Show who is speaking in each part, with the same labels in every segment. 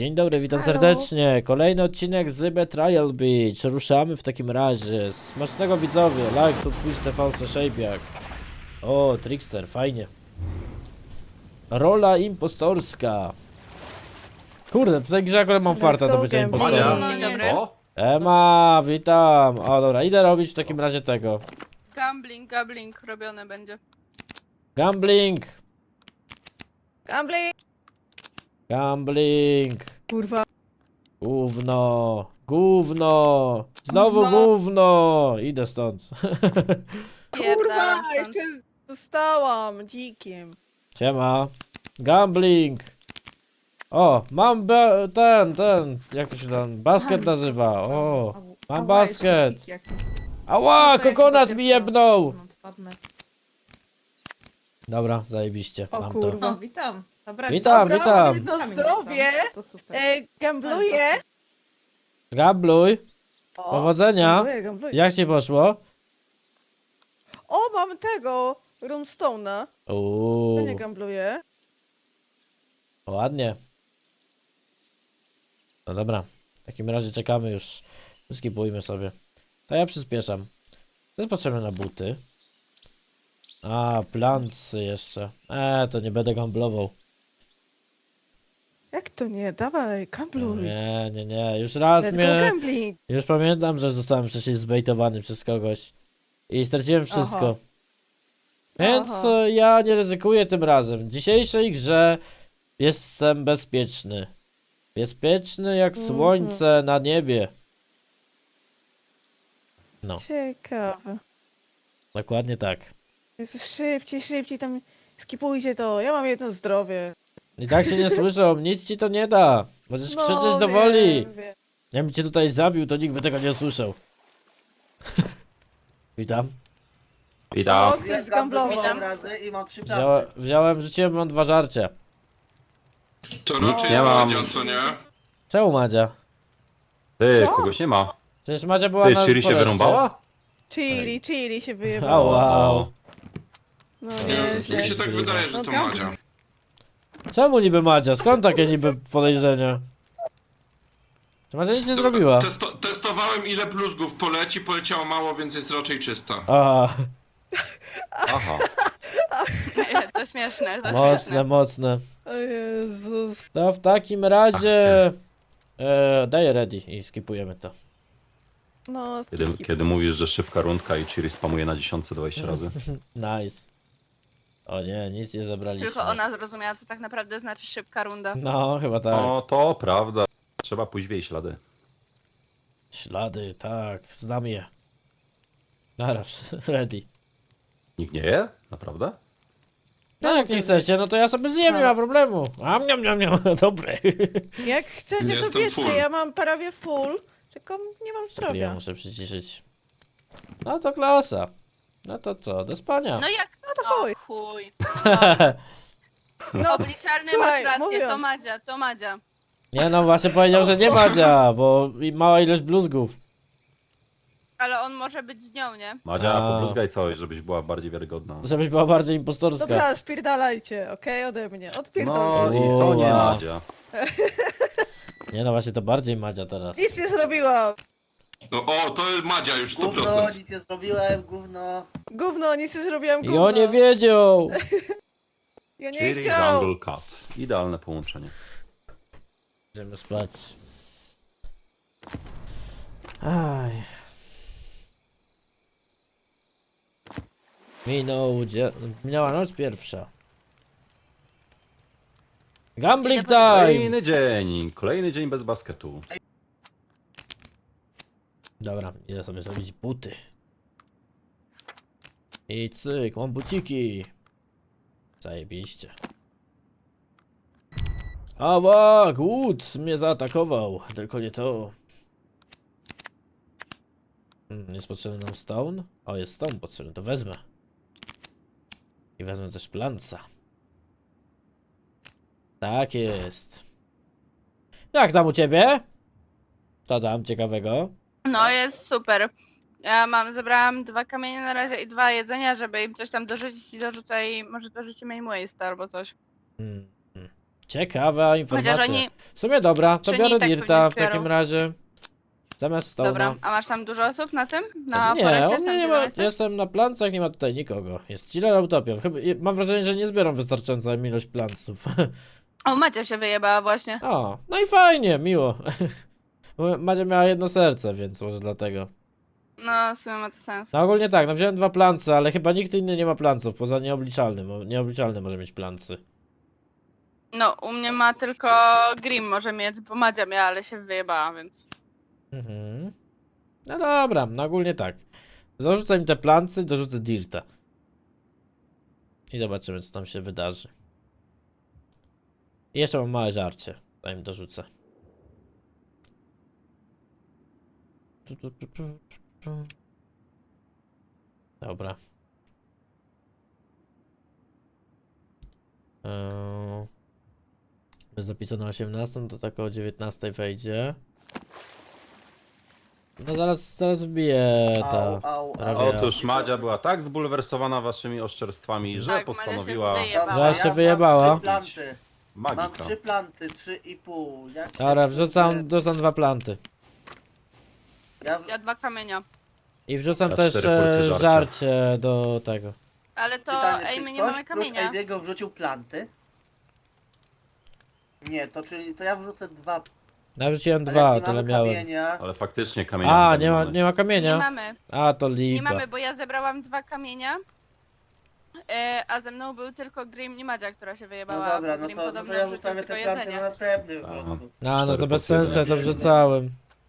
Speaker 1: Dzień dobry, witam
Speaker 2: Halo.
Speaker 1: serdecznie. Kolejny odcinek z Betrayal Beach. Ruszamy w takim razie. Smacznego widzowie. Like, sub, Twitch, TV, Szejbiak. O, Trickster, fajnie. Rola impostorska. Kurde, w tej grze akurat mam farta do bycia impostorem.
Speaker 2: Dzień dobry.
Speaker 3: O!
Speaker 1: Ema, witam. O, dobra, idę robić w takim razie tego.
Speaker 2: Gambling robione będzie.
Speaker 1: Gambling.
Speaker 2: Gambling!
Speaker 1: Gambling.
Speaker 2: Kurwa.
Speaker 1: Gówno. Gówno. Znowu
Speaker 2: Gówno.
Speaker 1: gówno. Idę stąd.
Speaker 2: Kurwa, jeszcze zostałam dzikiem.
Speaker 1: Siema. Gambling. O, mam ten, jak to się tam, basket nazywa, o. Mam basket. Ała, kokonat mi jebnął. Dobra, zajebiście,
Speaker 2: O
Speaker 1: mam to.
Speaker 2: kurwa.
Speaker 4: O, witam. Dobra,
Speaker 1: Witam,
Speaker 2: Dobra,
Speaker 1: witam.
Speaker 2: mam jedno zdrowie.
Speaker 4: To super.
Speaker 2: Gambluję.
Speaker 1: Gambluj,
Speaker 2: O,
Speaker 1: powodzenia.
Speaker 2: gambluję.
Speaker 1: Jak ci poszło?
Speaker 2: O, mam tego. Runestone'a. To
Speaker 1: Uuu,
Speaker 2: nie gambluję.
Speaker 1: ładnie. No dobra, w takim razie czekamy już. Skipujmy sobie. To ja przyspieszam. To jest potrzebne na buty. A, plancy jeszcze. To nie będę gamblował.
Speaker 2: Jak to nie? Dawaj, gambluj.
Speaker 1: Nie. Już raz
Speaker 2: Let's go
Speaker 1: mnie...
Speaker 2: gambling.
Speaker 1: Już pamiętam, że zostałem wcześniej zbejtowany przez kogoś. I straciłem wszystko.
Speaker 2: Aha.
Speaker 1: Więc
Speaker 2: Aha.
Speaker 1: ja nie ryzykuję tym razem. W dzisiejszej grze jestem bezpieczny. Bezpieczny jak słońce na niebie. No,
Speaker 2: Ciekawe.
Speaker 1: dokładnie tak.
Speaker 2: Jezu, szybciej tam skipujcie to. Ja mam jedno zdrowie.
Speaker 1: I tak się nie słyszą, nic ci to nie da. Możesz krzyczeć do
Speaker 2: wiem,
Speaker 1: woli.
Speaker 2: wiem.
Speaker 1: Ja bym cię tutaj zabił, to nikt by tego nie usłyszał. Witam.
Speaker 2: O,
Speaker 3: Witam.
Speaker 2: ktoś zgamblował.
Speaker 5: razy i mam 3 karty.
Speaker 1: Wziąłem, rzuciłem wam 2 żarcie.
Speaker 6: To
Speaker 3: Nic
Speaker 6: raczej
Speaker 3: nie
Speaker 6: jest
Speaker 3: mam.
Speaker 6: Madzia, co nie?
Speaker 1: Czemu Madzia?
Speaker 3: Ty,
Speaker 2: Co?
Speaker 3: kogoś nie ma.
Speaker 1: Przecież Madzia była
Speaker 3: Ty,
Speaker 1: na
Speaker 3: Chiri się
Speaker 1: foreście.
Speaker 3: wyrąbała?
Speaker 2: Chili się
Speaker 1: A,
Speaker 2: wyjebało.
Speaker 1: wow.
Speaker 2: No
Speaker 6: Nie, mi się tak wydaje, że
Speaker 2: No
Speaker 6: to
Speaker 2: gambling.
Speaker 6: Madzia.
Speaker 1: Czemu niby Madzia? Skąd takie niby podejrzenia? Czy Madzia nic nie zrobiła?
Speaker 6: Testowałem ile bluzgów poleci, poleciało mało, więc jest raczej czysta.
Speaker 1: Aha,
Speaker 3: Aha.
Speaker 7: To śmieszne, to
Speaker 1: mocne,
Speaker 7: śmieszne.
Speaker 1: mocne.
Speaker 2: O Jezus.
Speaker 1: To w takim razie... Daj ready i skipujemy to.
Speaker 2: No,
Speaker 3: Kiedy mówisz, że szybka rundka i Chiri spamuje na 10-20 razy.
Speaker 1: Nice. O nie, nic nie zabraliśmy.
Speaker 7: Tylko ona zrozumiała, co tak naprawdę znaczy szybka runda.
Speaker 1: No, chyba tak.
Speaker 3: No to prawda. Trzeba pójść w jej ślady.
Speaker 1: Ślady, tak, znam je. Naraz, ready.
Speaker 3: Nikt nie je? Naprawdę?
Speaker 1: No jak nie chcecie, no to ja sobie zjem, nie ma problemu. Niam, dobre.
Speaker 2: jak chcecie, to
Speaker 6: Jestem
Speaker 2: bierzcie.
Speaker 6: full.
Speaker 2: Ja mam prawie full, tylko nie mam
Speaker 1: Ja
Speaker 2: zdrowia.
Speaker 1: muszę przyciszyć. No to klasa. No to co, do spania.
Speaker 7: No jak?
Speaker 2: No to
Speaker 7: O
Speaker 2: chuj.
Speaker 7: chuj.
Speaker 2: No,
Speaker 7: Obliczalny
Speaker 2: Słuchaj,
Speaker 7: masz rację,
Speaker 2: mówiłam.
Speaker 7: to Madzia.
Speaker 1: Nie no, właśnie powiedział, że nie Madzia, bo mała ilość bluzgów.
Speaker 7: Ale on może być z nią, nie?
Speaker 3: Madzia,
Speaker 1: A.
Speaker 3: pobluzgaj coś, żebyś była bardziej wiarygodna.
Speaker 1: Żebyś była bardziej impostorska.
Speaker 2: dobra, spierdalajcie, okej? Ode mnie.
Speaker 3: No
Speaker 2: Odpierdolcie.
Speaker 3: i to nie
Speaker 1: Uła.
Speaker 3: Madzia.
Speaker 1: Nie no, właśnie to bardziej Madzia teraz.
Speaker 2: Nic nie zrobiłam.
Speaker 6: No o, to jest Madzia już
Speaker 5: Gówno,
Speaker 6: 100%.
Speaker 5: nic nie zrobiłem, gówno.
Speaker 2: Gówno, nic nie zrobiłam,
Speaker 1: I
Speaker 2: gówno.
Speaker 1: on nie wiedział.
Speaker 2: Ja nie
Speaker 3: Chiri,
Speaker 2: chciał.
Speaker 3: Jungle Cat. Idealne połączenie.
Speaker 1: Idziemy spać. Aj. Minęła noc pierwsza. Gambling time!
Speaker 3: Kolejny dzień bez basketu.
Speaker 1: Dobra, idę sobie zrobić buty. I cyk, mam buciki. Zajebiście. Ała, głód mnie zaatakował. Tylko nie to. Jest potrzebny nam stone? O, jest stone potrzebny, to wezmę. I wezmę też planca. Tak jest. Jak tam u ciebie? Co tam ciekawego?
Speaker 7: No jest super. Zebrałam 2 kamienie na razie i 2 jedzenia, żeby im coś tam dorzucić i dorzucę i może dorzucimy im waste albo coś.
Speaker 1: Hmm. Ciekawa informacja.
Speaker 7: Chociaż oni...
Speaker 1: W sumie dobra, to
Speaker 7: Czy
Speaker 1: biorę
Speaker 7: nie tak
Speaker 1: Dirta
Speaker 7: pewnie
Speaker 1: w takim
Speaker 7: zbiorą.
Speaker 1: razie. Zamiast Stone'a.
Speaker 7: Dobra, a masz tam dużo osób na tym? Na
Speaker 1: Nie,
Speaker 7: foreście?
Speaker 1: u
Speaker 7: Tam,
Speaker 1: mnie nie
Speaker 7: gdzie
Speaker 1: ma,
Speaker 7: jesteś?
Speaker 1: jestem na plancach, nie ma tutaj nikogo. Jest chiller Utopia. Chyba, mam wrażenie, że nie zbieram wystarczającą ilość planców.
Speaker 7: O, Macia się wyjebała właśnie.
Speaker 1: O, no i fajnie, miło. Bo Madzia miała jedno serce, więc może dlatego.
Speaker 7: No, w sumie ma to sens.
Speaker 1: No ogólnie tak, no wziąłem 2 plance, ale chyba nikt inny nie ma planców, poza nieobliczalnym. Nieobliczalny może mieć plancy.
Speaker 7: No, u mnie ma tylko Grim może mieć, bo Madzia miała, ale się wyjebała, więc...
Speaker 1: Mhm. No dobra, no ogólnie tak. Zarzucę im te plancy, dorzucę Dirta. I zobaczymy, co tam się wydarzy. I jeszcze mam małe żarcie. Zanim dorzucę. Dobra. Jest zapisane 18, to tak o 19 wejdzie. No zaraz wbije ta... prawie-
Speaker 3: Otóż Madzia była tak zbulwersowana waszymi oszczerstwami, że
Speaker 7: Tak, Madzia się
Speaker 3: postanowiła...
Speaker 7: wyjebała.
Speaker 1: Zaraz się wyjebała.
Speaker 5: Mam 3 planty. Mam
Speaker 3: Magika.
Speaker 5: 3 planty, 3,5. Jak
Speaker 1: Dobra,
Speaker 5: się
Speaker 1: wrzucam 2 planty.
Speaker 7: Ja 2 kamienia.
Speaker 1: I wrzucam
Speaker 3: Ja
Speaker 1: też
Speaker 3: 4 porcje żarcia.
Speaker 1: żarcie do tego.
Speaker 7: Ale to,
Speaker 5: Pytanie,
Speaker 7: ej,
Speaker 5: czy
Speaker 7: my nie
Speaker 5: ktoś
Speaker 7: mamy
Speaker 5: prócz
Speaker 7: kamienia.
Speaker 5: Ejbiego wrzucił planty? Nie, to czyli to ja wrzucę 2.
Speaker 1: Ja wrzuciłem
Speaker 5: Ale
Speaker 1: 2,
Speaker 5: nie
Speaker 1: tyle
Speaker 5: mamy
Speaker 1: miałem.
Speaker 5: kamienia.
Speaker 3: Ale faktycznie kamienia
Speaker 1: A,
Speaker 3: chyba
Speaker 1: nie ma
Speaker 3: mamy.
Speaker 1: nie ma
Speaker 7: Nie
Speaker 1: kamienia?
Speaker 7: mamy.
Speaker 1: A, to
Speaker 7: Nie
Speaker 1: lipa.
Speaker 7: mamy, bo ja zebrałam 2 kamienia. A ze mną był tylko Grim i Madzia, która się
Speaker 5: No
Speaker 7: wyjebała.
Speaker 5: dobra,
Speaker 7: bo
Speaker 5: no
Speaker 7: Grim
Speaker 5: to
Speaker 7: podobno
Speaker 5: ja
Speaker 7: wrzucił
Speaker 5: zostawię
Speaker 7: tylko
Speaker 5: te planty
Speaker 7: jedzenie.
Speaker 5: na następny po
Speaker 3: Aha.
Speaker 5: prostu.
Speaker 1: A, no to
Speaker 3: 4
Speaker 1: bez
Speaker 3: porcje
Speaker 1: sensu, ja to
Speaker 5: żarcia.
Speaker 1: wrzucałem.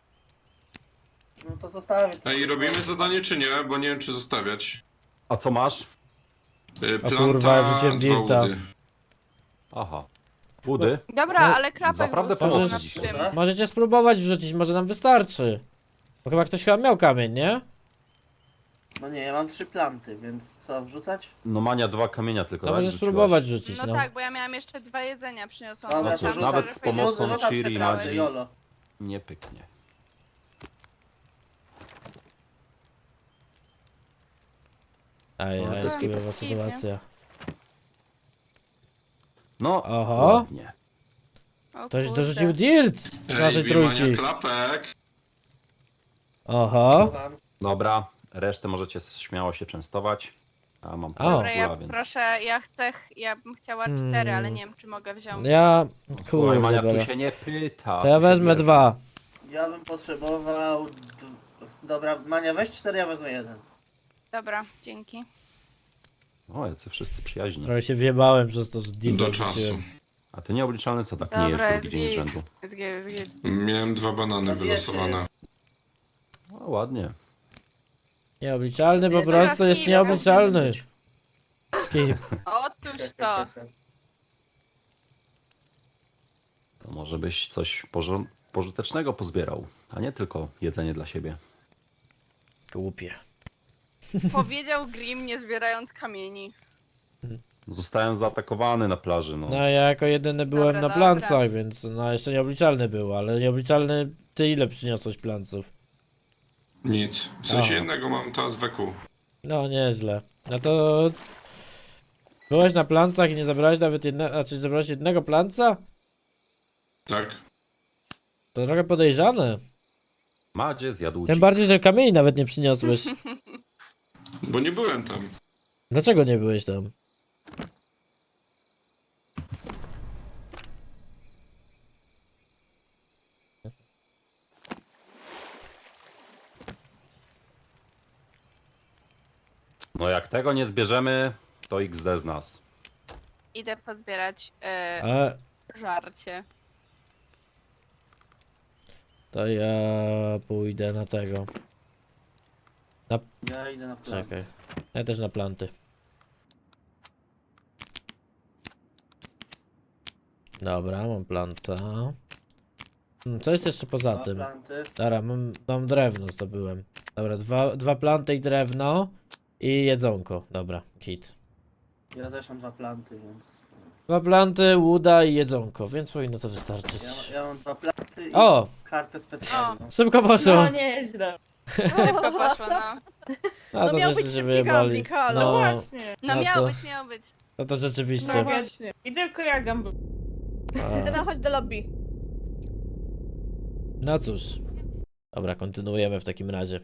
Speaker 5: No to zostawię.
Speaker 6: Ej, robimy zadanie czy nie? Bo nie wiem czy zostawiać.
Speaker 3: A co masz?
Speaker 6: Planta,
Speaker 1: kurwa, ja wrzuciłem
Speaker 6: 2
Speaker 1: dirta.
Speaker 6: łudy.
Speaker 3: Aha. Budy?
Speaker 7: Dobra,
Speaker 1: No,
Speaker 7: ale klapek
Speaker 3: naprawdę
Speaker 7: był
Speaker 1: pomocy
Speaker 7: na
Speaker 3: dzisiaj.
Speaker 7: tym.
Speaker 1: Możecie spróbować wrzucić, może nam wystarczy. Bo chyba ktoś miał kamień, nie?
Speaker 5: No nie, ja mam 3 planty, więc co, wrzucać?
Speaker 3: No Mania 2 kamienia tylko,
Speaker 1: No
Speaker 3: tak?
Speaker 1: możesz
Speaker 3: Rzuciłaś?
Speaker 1: spróbować wrzucić,
Speaker 7: No
Speaker 1: no.
Speaker 7: tak, bo ja miałam jeszcze 2 jedzenia, przyniosłam.
Speaker 5: Dobra,
Speaker 3: No
Speaker 5: to
Speaker 3: cóż,
Speaker 5: rzucam,
Speaker 3: nawet z pomocą
Speaker 5: rzucam
Speaker 3: Ciri
Speaker 5: te
Speaker 3: i
Speaker 5: planty,
Speaker 3: Madzi
Speaker 5: jolo.
Speaker 3: nie pyknie.
Speaker 1: Ej,
Speaker 3: No, to
Speaker 1: ej,
Speaker 3: jest
Speaker 1: chujowa
Speaker 7: kiepski,
Speaker 1: sytuacja.
Speaker 3: No,
Speaker 1: Oho.
Speaker 3: ładnie.
Speaker 7: O
Speaker 1: Ktoś
Speaker 7: kurde.
Speaker 1: dorzucił dirt z naszej
Speaker 6: Ej, Bimania,
Speaker 1: trójki.
Speaker 6: klapek.
Speaker 1: Oho.
Speaker 5: Słucham.
Speaker 3: Dobra, resztę możecie śmiało się częstować. A mam
Speaker 1: O.
Speaker 3: pół
Speaker 7: Dobra, ja
Speaker 3: kula, więc...
Speaker 7: proszę, ja bym chciała 4, ale nie wiem czy mogę wziąć.
Speaker 1: Ja...
Speaker 3: Słuchaj,
Speaker 1: Kurde,
Speaker 3: Mania, tu
Speaker 1: bela.
Speaker 3: się nie pyta.
Speaker 1: To ja
Speaker 3: tu się
Speaker 1: wezmę
Speaker 3: bierze.
Speaker 1: 2.
Speaker 5: Ja bym potrzebował... Dobra, Mania, weź 4, ja wezmę 1.
Speaker 7: Dobra, dzięki.
Speaker 3: O, jacy wszyscy przyjaźni.
Speaker 1: Trochę się wjebałem przez to, że dirta
Speaker 6: Do czasu.
Speaker 1: wrzuciłem.
Speaker 3: A ty nieobliczalny co tak
Speaker 7: Dobra,
Speaker 3: nie jesz
Speaker 7: jest
Speaker 3: drugi dzień z
Speaker 7: git.
Speaker 3: rzędu?
Speaker 7: Jest git, jest git.
Speaker 6: Miałem 2 banany
Speaker 5: No wiecie,
Speaker 6: wylosowane.
Speaker 5: jest.
Speaker 3: No ładnie.
Speaker 1: Nieobliczalny po
Speaker 5: Nie,
Speaker 7: teraz
Speaker 1: prostu jest
Speaker 7: skip,
Speaker 1: nieobliczalny. Skip.
Speaker 7: Otóż to.
Speaker 3: To może byś coś pożytecznego pozbierał, a nie tylko jedzenie dla siebie.
Speaker 1: Głupie.
Speaker 7: Powiedział Grim nie zbierając kamieni.
Speaker 3: Zostałem zaatakowany na plaży, no.
Speaker 1: No ja jako jedyny byłem
Speaker 7: Dobra,
Speaker 1: na
Speaker 7: dobra.
Speaker 1: plancach, więc no jeszcze nieobliczalny był, ale nieobliczalny ty ile przyniosłeś planców?
Speaker 6: Nic. W sensie
Speaker 1: Aha.
Speaker 6: jednego mam teraz weku.
Speaker 1: No nieźle. No to... Byłeś na plancach i nie zabrałeś nawet jednego, znaczy zabrałeś jednego planca?
Speaker 6: Tak?
Speaker 1: To trochę podejrzane.
Speaker 3: Madzie zjadł
Speaker 1: Tym
Speaker 3: dzik.
Speaker 1: bardziej, że kamieni nawet nie przyniosłeś.
Speaker 6: Bo nie byłem tam.
Speaker 1: Dlaczego nie byłeś tam?
Speaker 3: No jak tego nie zbierzemy, to XD z nas.
Speaker 7: Idę pozbierać
Speaker 1: A
Speaker 7: żarcie.
Speaker 1: to ja pójdę na tego.
Speaker 5: Ja idę na plan.
Speaker 1: Czekaj. Ja też na planty. Dobra, mam planta. Co jest jeszcze poza
Speaker 5: Dwa
Speaker 1: tym?
Speaker 5: planty.
Speaker 1: Dobra, mam drewno zdobyłem. Dobra, dwa planty i drewno. I jedzonko. Dobra, kit.
Speaker 5: Ja też mam 2 planty, więc...
Speaker 1: 2 planty, łuda i jedzonko, więc powinno to wystarczyć.
Speaker 5: Ja mam 2 planty i
Speaker 1: O!
Speaker 5: kartę specjalną.
Speaker 1: Szybko poszło!
Speaker 2: No nieźle.
Speaker 7: Szybko poszło, no.
Speaker 1: A
Speaker 2: No miał
Speaker 1: żeście
Speaker 2: być
Speaker 1: się
Speaker 2: szybki
Speaker 1: wyjebali.
Speaker 2: gambling, halo,
Speaker 1: No,
Speaker 2: właśnie.
Speaker 7: No
Speaker 1: No
Speaker 7: miało
Speaker 1: to-
Speaker 7: być, miało być.
Speaker 1: no to rzeczywiście.
Speaker 2: No właśnie. I tylko ja gambling. No chodź do lobby.
Speaker 1: No cóż. Dobra, kontynuujemy w takim razie.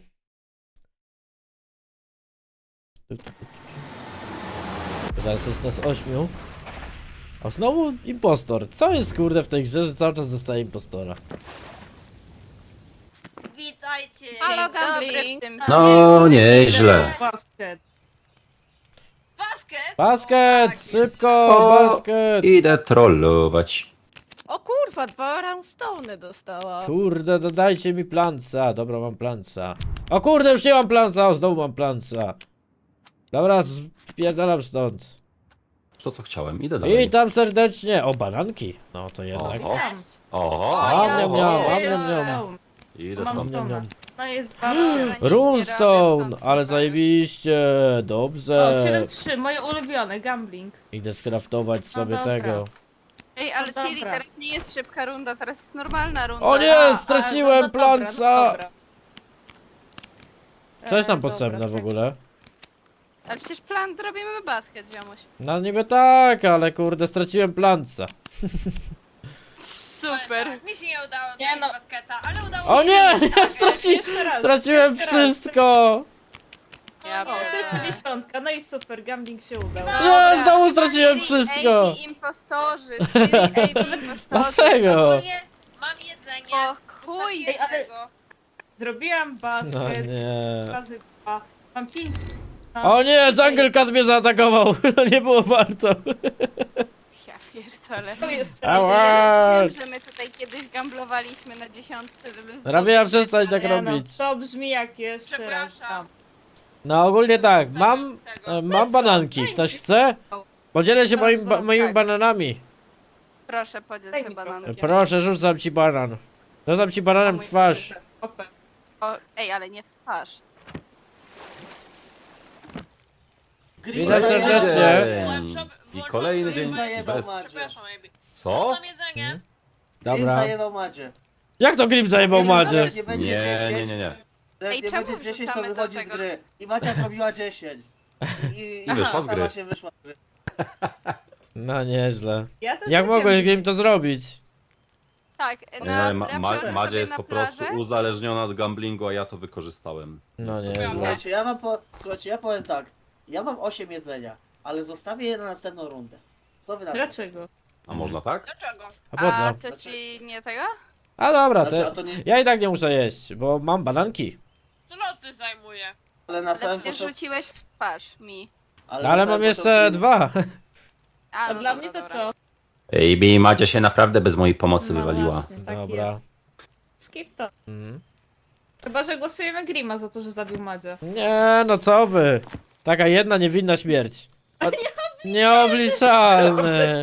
Speaker 1: Teraz jest nas 8. A znowu impostor. Co jest kurde w tej grze, że cały czas dostaje impostora?
Speaker 4: Witajcie!
Speaker 2: Halo,
Speaker 7: Dobry
Speaker 2: gambling.
Speaker 7: w tym
Speaker 3: No, nieźle.
Speaker 2: Basket.
Speaker 4: Basket?
Speaker 1: Basket!
Speaker 4: O, tak,
Speaker 1: Szybko!
Speaker 3: O,
Speaker 1: Basket!
Speaker 3: Idę trollować.
Speaker 2: O kurwa, 2 roundstone dostała.
Speaker 1: Kurde, dodajcie mi planca. Dobra, mam planca. O kurde, już nie mam planca. O, znowu mam planca. Dobra, spierdalam stąd.
Speaker 3: To co chciałem, idę dalej.
Speaker 1: Witam serdecznie. O, bananki. No to jednak.
Speaker 3: O,
Speaker 4: Cześć.
Speaker 3: o,
Speaker 1: A,
Speaker 7: ja
Speaker 1: miam, miam,
Speaker 7: wiem.
Speaker 1: a, miam, miam.
Speaker 3: idę
Speaker 2: Mam
Speaker 3: tam.
Speaker 2: stona.
Speaker 1: miam.
Speaker 2: No jest basket.
Speaker 1: Runestone, ale zajebiście.
Speaker 2: O,
Speaker 1: Dobrze.
Speaker 2: 7-3, moje ulubione, gambling.
Speaker 1: Idę skraftować sobie
Speaker 2: dobra.
Speaker 1: tego.
Speaker 7: Ej, ale
Speaker 2: No
Speaker 7: Chili,
Speaker 2: dobra.
Speaker 7: teraz nie jest szybka runda, teraz jest normalna runda.
Speaker 1: O nie,
Speaker 2: A,
Speaker 1: straciłem
Speaker 2: no dobra,
Speaker 1: planca.
Speaker 2: no dobra.
Speaker 1: Co jest nam
Speaker 2: Dobra,
Speaker 1: potrzebne w
Speaker 2: czekaj.
Speaker 1: ogóle?
Speaker 7: Ale przecież plan robimy basket, ziomuś.
Speaker 1: No niby tak, ale kurde, straciłem planca.
Speaker 7: Super.
Speaker 4: Mi się nie udało
Speaker 2: Nie
Speaker 4: zająć
Speaker 2: no.
Speaker 4: basketa, ale udało
Speaker 1: O
Speaker 4: mi się
Speaker 1: nie,
Speaker 4: zająć
Speaker 2: Jeszcze raz,
Speaker 1: straciłem
Speaker 2: jeszcze raz.
Speaker 1: wszystko.
Speaker 7: Ja
Speaker 4: O nie.
Speaker 2: O, tylko
Speaker 7: pierdolę.
Speaker 2: 10, no i super, gambling się udał.
Speaker 1: Nie, znowu straciłem
Speaker 7: Chili,
Speaker 1: wszystko.
Speaker 7: AB impostorzy, Chili, AB impostorzy.
Speaker 1: Dlaczego?
Speaker 4: Ogólnie mam jedzenie.
Speaker 7: O chuj.
Speaker 2: Ej, ale-
Speaker 4: jednego.
Speaker 2: Zrobiłam
Speaker 1: No
Speaker 2: basket,
Speaker 1: nie.
Speaker 2: razy 2. Mam 5.
Speaker 1: O nie, Jungle Cat mnie zaatakował. No nie było warto.
Speaker 7: Ja pierdolę.
Speaker 2: To jeszcze
Speaker 1: Ała.
Speaker 7: Ja wiem, że my tutaj kiedyś gamblowaliśmy na 10, żeby zdobyć
Speaker 1: Rabia, przestań
Speaker 7: rzeczy,
Speaker 1: tak
Speaker 7: ale-
Speaker 1: robić.
Speaker 2: To brzmi jak jeszcze raz
Speaker 4: Przepraszam.
Speaker 2: tam.
Speaker 1: No ogólnie tak, mam,
Speaker 4: Tego.
Speaker 1: mam bananki. Ktoś chce? Podzielę się moimi
Speaker 7: Tak.
Speaker 1: bananami.
Speaker 7: Proszę, podziel
Speaker 2: Daj
Speaker 7: się
Speaker 2: mi to.
Speaker 7: banankiem.
Speaker 1: Proszę, rzucam ci banan. Rzucam ci bananem w twarz.
Speaker 2: Opę.
Speaker 7: O, ej, ale nie w twarz.
Speaker 1: Witam serdecznie.
Speaker 3: I kolejny dzień
Speaker 5: Zajebał
Speaker 3: bez...
Speaker 5: Madzie.
Speaker 4: Przepraszam, Amy.
Speaker 3: Co?
Speaker 4: Mam jedzenie.
Speaker 1: Dobra.
Speaker 5: Zajebał Madzie.
Speaker 1: Jak to Grim zajebał Madzie?
Speaker 5: Jak nie będzie
Speaker 3: Nie,
Speaker 5: 10,
Speaker 3: nie.
Speaker 5: jak
Speaker 7: Ej,
Speaker 5: nie
Speaker 7: czemu
Speaker 5: będzie 10, to
Speaker 7: wrzucamy do
Speaker 5: wychodzi z
Speaker 7: tego?
Speaker 5: gry. I Macia zrobiła 10. I
Speaker 3: wyszła z
Speaker 5: sama
Speaker 3: gry.
Speaker 5: się wyszła z gry.
Speaker 1: No nieźle.
Speaker 2: Ja też
Speaker 1: Jak
Speaker 2: zrobiłam
Speaker 1: mogłeś Grim to zrobić?
Speaker 7: Tak,
Speaker 3: Nie,
Speaker 7: na
Speaker 3: Madzia
Speaker 7: sobie
Speaker 3: jest
Speaker 7: na
Speaker 3: po prostu
Speaker 7: plażę.
Speaker 3: uzależniona od gamblingu, a ja to wykorzystałem.
Speaker 1: No nieźle.
Speaker 5: Słuchajcie, Słuchajcie, ja powiem tak. Ja mam 8 jedzenia, ale zostawię je na następną rundę. Co wy na to?
Speaker 2: Dlaczego?
Speaker 3: A można tak?
Speaker 4: Dlaczego?
Speaker 1: A po
Speaker 7: A
Speaker 1: co?
Speaker 7: to ci nie tego?
Speaker 1: A dobra,
Speaker 5: Znaczy, a
Speaker 1: to
Speaker 5: to nie,
Speaker 1: ja i tak nie muszę jeść, bo mam bananki.
Speaker 4: Sloty zajmuje.
Speaker 5: ale na
Speaker 7: Ale
Speaker 5: samym
Speaker 7: przecież
Speaker 5: początku...
Speaker 7: rzuciłeś w twarz mi.
Speaker 1: No,
Speaker 5: na
Speaker 1: ale
Speaker 5: samym
Speaker 1: mam jeszcze
Speaker 5: początku-
Speaker 1: 2.
Speaker 7: A,
Speaker 2: A
Speaker 7: no
Speaker 2: dla
Speaker 7: dobra,
Speaker 2: mnie to
Speaker 7: dobra.
Speaker 2: co?
Speaker 3: Ej, Madzia się naprawdę bez mojej pomocy
Speaker 2: No
Speaker 3: wywaliła.
Speaker 2: właśnie, tak
Speaker 1: Dobra.
Speaker 2: jest. Skip to.
Speaker 1: Mm.
Speaker 2: Chyba, że głosujemy Grima za to, że zabił Madzia.
Speaker 1: Nie, no co wy? Taka jedna niewinna śmierć. Nieobliczalny.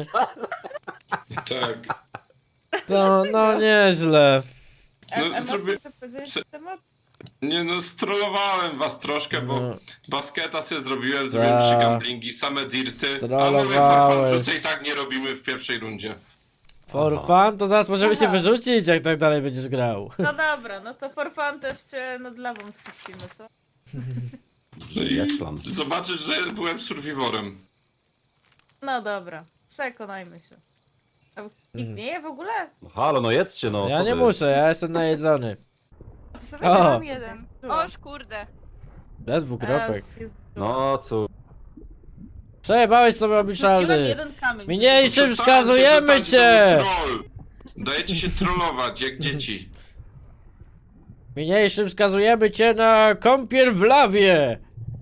Speaker 6: Tak.
Speaker 1: To no nieźle.
Speaker 6: No,
Speaker 2: Masz
Speaker 6: zrobię-
Speaker 2: coś powiedzieć
Speaker 6: co-
Speaker 2: na temat?
Speaker 6: Nie no, strollowałem was troszkę, bo
Speaker 1: No.
Speaker 6: basketa sobie zrobiłem
Speaker 1: Ta.
Speaker 6: 3 gamblingi, same dirty, a mówię
Speaker 1: Strollowałeś.
Speaker 6: for fun, i tak nie robimy w pierwszej rundzie.
Speaker 1: For fun, to zaraz możemy się
Speaker 2: Aha.
Speaker 1: wyrzucić, jak tak dalej będziesz grał.
Speaker 2: No dobra, no to for fun też cię nad lawą spuścimy, co?
Speaker 3: Brzmi jak plan.
Speaker 6: Zobaczysz, że byłem survivorem.
Speaker 2: No dobra, przekonajmy się. A nikt
Speaker 1: Mhm.
Speaker 2: nie je w ogóle?
Speaker 3: No halo, no jedzcie, no
Speaker 1: Ja
Speaker 3: co
Speaker 1: nie
Speaker 3: wy?
Speaker 1: muszę, ja jestem najedzony.
Speaker 2: A ty sobie
Speaker 1: O.
Speaker 7: Mam jeden. Oż kurde.
Speaker 1: Bez dwukropek.
Speaker 3: No co?
Speaker 1: Przejebałeś sobie
Speaker 2: Rzuciłem
Speaker 1: obliczalny.
Speaker 2: jeden kamień.
Speaker 1: Mniejszym
Speaker 6: Przestańcie,
Speaker 1: wskazujemy
Speaker 6: przestańcie,
Speaker 1: cię!
Speaker 6: to był troll. Dajecie się trollować, jak dzieci.
Speaker 1: Niniejszym wskazujemy cię na kąpiel w lawie!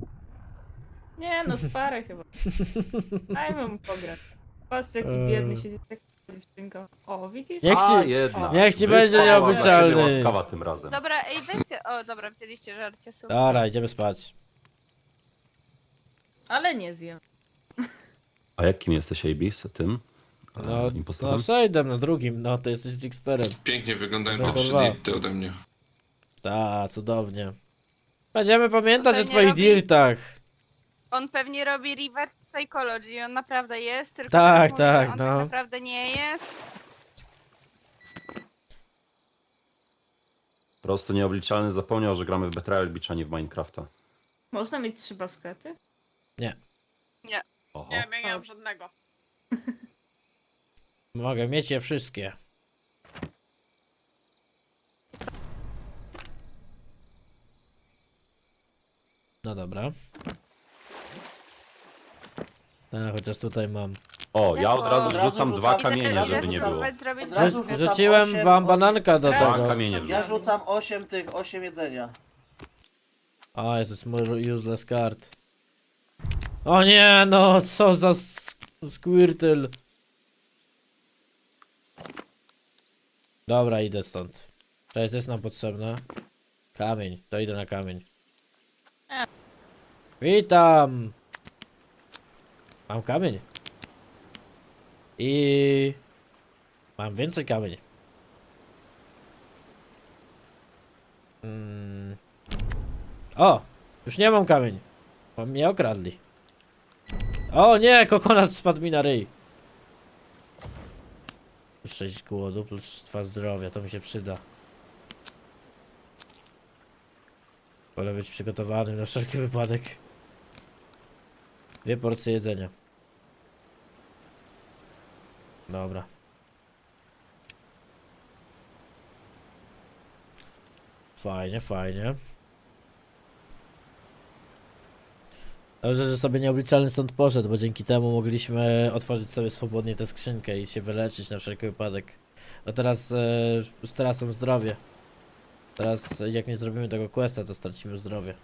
Speaker 2: Nie no, sparę chyba. Dajmy mu pograć. Patrzcie jaki
Speaker 1: Eee.
Speaker 2: biedny siedzi tak dziewczynką. O, widzisz?
Speaker 1: Niech
Speaker 3: A,
Speaker 1: ci-
Speaker 3: jedna.
Speaker 1: niech ci
Speaker 3: Wyspa
Speaker 1: będzie
Speaker 3: była dla
Speaker 1: nieobliczalny.
Speaker 3: ciebie łaskawa tym razem.
Speaker 7: Dobra, ej, weźcie. O, dobra, wzięliście żarcie, super.
Speaker 1: Dobra, idziemy spać.
Speaker 2: Ale nie zjem.
Speaker 3: A jakim jesteś AB z tym?
Speaker 1: No,
Speaker 3: Impostorem?
Speaker 1: no Shade'em na drugim, no to jesteś Jigsterem.
Speaker 6: Pięknie wyglądają te
Speaker 1: Dobra.
Speaker 6: 3 dirty ode mnie.
Speaker 1: Ta, cudownie. Będziemy pamiętać o
Speaker 7: Pewnie
Speaker 1: twoich
Speaker 7: robi-
Speaker 1: dirtach.
Speaker 7: On pewnie robi reverse psychology, on naprawdę jest, tylko
Speaker 1: Tak,
Speaker 7: teraz mówi,
Speaker 1: tak,
Speaker 7: że on
Speaker 1: no.
Speaker 7: tak naprawdę nie jest.
Speaker 3: Po prostu nieobliczalny zapomniał, że gramy w Betrayal Beach, a nie w Minecrafta.
Speaker 2: Można mieć 3 baskety?
Speaker 3: Oho.
Speaker 4: Nie, ja nie mam żadnego.
Speaker 1: Mogę mieć je wszystkie. No dobra. Chociaż tutaj mam.
Speaker 3: O, ja od razu
Speaker 5: Od razu
Speaker 3: wrzucam
Speaker 5: rzucam-
Speaker 3: 2
Speaker 5: Idę-
Speaker 3: kamienie,
Speaker 5: idę
Speaker 3: żeby nie było.
Speaker 7: Spróbować zrobić
Speaker 5: Od razu wrzucam
Speaker 1: Rzuciłem
Speaker 5: 8
Speaker 1: wam bananka do
Speaker 2: Dwa
Speaker 3: Dwa
Speaker 1: tego.
Speaker 3: kamienie
Speaker 5: Ja
Speaker 3: wrzucam.
Speaker 5: rzucam 8 jedzenia.
Speaker 1: A, jest mój useless card. O nie, no, co za Squirtle. Dobra, idę stąd. Cześć, to jest nam potrzebne. Kamień, to idę na kamień. Witam! Mam kamień. I... Mam więcej kamień. O! Już nie mam kamień. Bo mnie okradli. O nie! Kokonat spadł mi na ryj. Plus 6 głodu, plus 2 zdrowia. To mi się przyda. Wolę być przygotowanym na wszelki wypadek. 2 porcje jedzenia. Dobra. Fajnie, fajnie. Dobrze, że sobie nieobliczalny stąd poszedł, bo dzięki temu mogliśmy otworzyć sobie swobodnie tę skrzynkę i się wyleczyć na wszelki wypadek. A teraz stracam zdrowie. Teraz jak nie zrobimy tego questa, to stracimy zdrowie.